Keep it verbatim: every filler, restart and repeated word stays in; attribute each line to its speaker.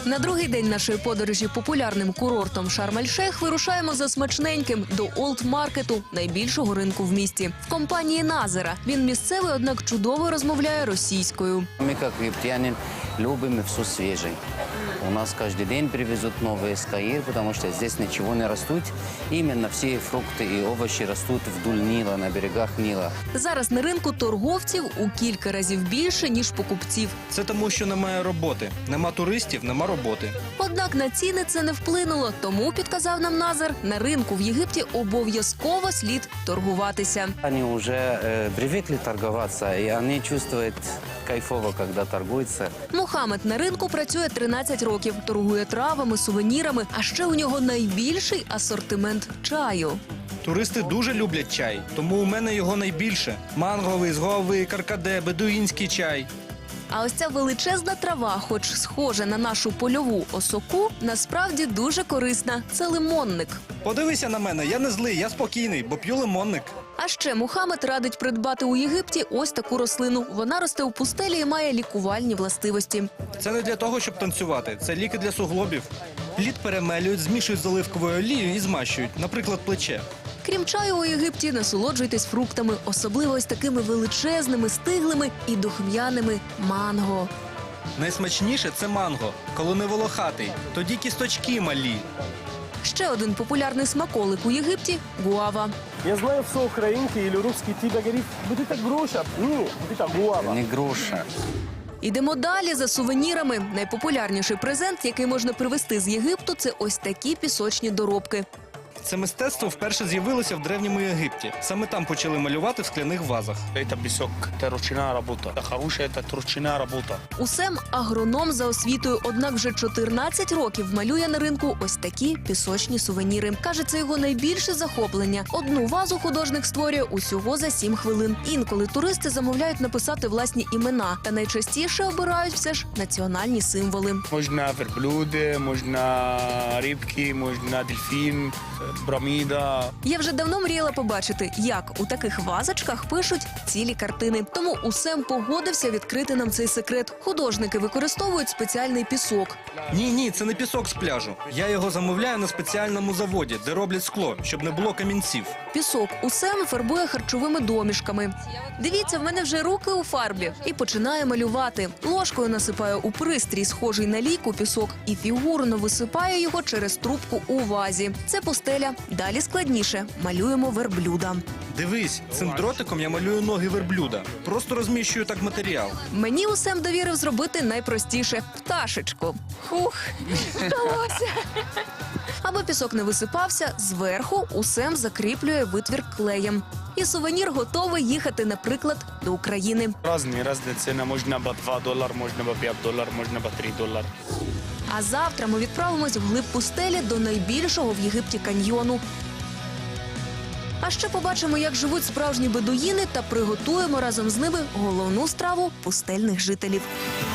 Speaker 1: На другий день нашої подорожі популярним курортом Шарм-ель-Шейх вирушаємо за смачненьким до Олд-маркету, найбільшого ринку в місті. В компанії Назера. Він місцевий, однак чудово розмовляє російською.
Speaker 2: Мы, как египтяне, любим все свежее. У нас каждый день привезут новые из Каира, потому что здесь ничего не растут. Именно все фрукты и овощи растут вдоль Нила, на берегах Нила.
Speaker 1: Зараз на ринку торговців у кілька разів більше, ніж покупців.
Speaker 3: Це тому, що немає роботи. Нема туристів, нема роботи.
Speaker 1: Однак на ціни це не вплинуло, тому, підказав нам Назар, на ринку в Єгипті обов'язково слід торгуватися.
Speaker 2: Они уже э, привыкли торговаться, и они чувствуют кайфово, когда торгуются.
Speaker 1: Мухаммед на ринку працює тринадцять років, торгує травами, сувенірами, а ще у нього найбільший асортимент чаю.
Speaker 3: Туристи дуже люблять чай, тому у мене його найбільше. Манговий, зговий, каркаде, бедуїнський чай.
Speaker 1: А ось ця величезна трава, хоч схожа на нашу польову осоку, насправді дуже корисна. Це лимонник.
Speaker 3: Подивися на мене, я не злий, я спокійний, бо п'ю лимонник.
Speaker 1: А ще Мухаммед радить придбати у Єгипті ось таку рослину. Вона росте у пустелі і має лікувальні властивості.
Speaker 3: Це не для того, щоб танцювати, це ліки для суглобів. Плід перемелюють, змішують з оливковою олією і змащують, наприклад, плече.
Speaker 1: Крім чаю у Єгипті, насолоджуйтесь фруктами, особливо ось такими величезними, стиглими і духм'яними манго.
Speaker 3: Найсмачніше – це манго, коли не волохатий, тоді кісточки малі.
Speaker 1: Ще один популярний смаколик у Єгипті – гуава.
Speaker 4: Я знаю, все українське или русский ти говорить, буде так груша. Ні, буде так гуава.
Speaker 2: Не груша.
Speaker 1: Ідемо далі за сувенірами. Найпопулярніший презент, який можна привезти з Єгипту – це ось такі пісочні доробки.
Speaker 3: Це мистецтво вперше з'явилося в Древньому Єгипті. Саме там почали малювати в скляних вазах.
Speaker 5: Это песок, это ручная работа. Это хорошая, это ручная работа.
Speaker 1: Усем агроном за освітою, однак вже чотирнадцять років малює на ринку ось такі пісочні сувеніри. Каже, це його найбільше захоплення. Одну вазу художник створює усього за сім хвилин. Інколи туристи замовляють написати власні імена, та найчастіше обирають все ж національні символи.
Speaker 5: Можно верблюды, можно рыбки, можно дельфин, пирамида.
Speaker 1: Я вже давно мріяла побачити, як у таких вазочках пишуть цілі картини. Тому Усем погодився відкрити нам цей секрет. Художники використовують спеціальний пісок.
Speaker 3: Ні, ні, це не пісок з пляжу. Я його замовляю на спеціальному заводі, де роблять скло, щоб не було камінців.
Speaker 1: Пісок Усем фарбує харчовими домішками. Дивіться, в мене вже руки у фарбі. І починає малювати. Ложкою насипає у пристрій, схожий на лійку, пісок, і фігурно висипає його через трубку у вазі. Це постеля. Далі складніше. Малюємо верблюда.
Speaker 3: Дивись, цим дротиком я малюю ноги верблюда. Просто розміщую так матеріал.
Speaker 1: Мені Усем довірив зробити найпростіше – пташечку. Хух, вдалося. Аби пісок не висипався, зверху Усем закріплює витвір клеєм. І сувенір готовий їхати, наприклад, до України.
Speaker 5: Разные, разные цены. Можно по два доллара, можно по пять долларов, можно по три доллара.
Speaker 1: А завтра ми відправимось вглиб пустелі до найбільшого в Єгипті каньйону. А ще побачимо, як живуть справжні бедуїни, та приготуємо разом з ними головну страву пустельних жителів.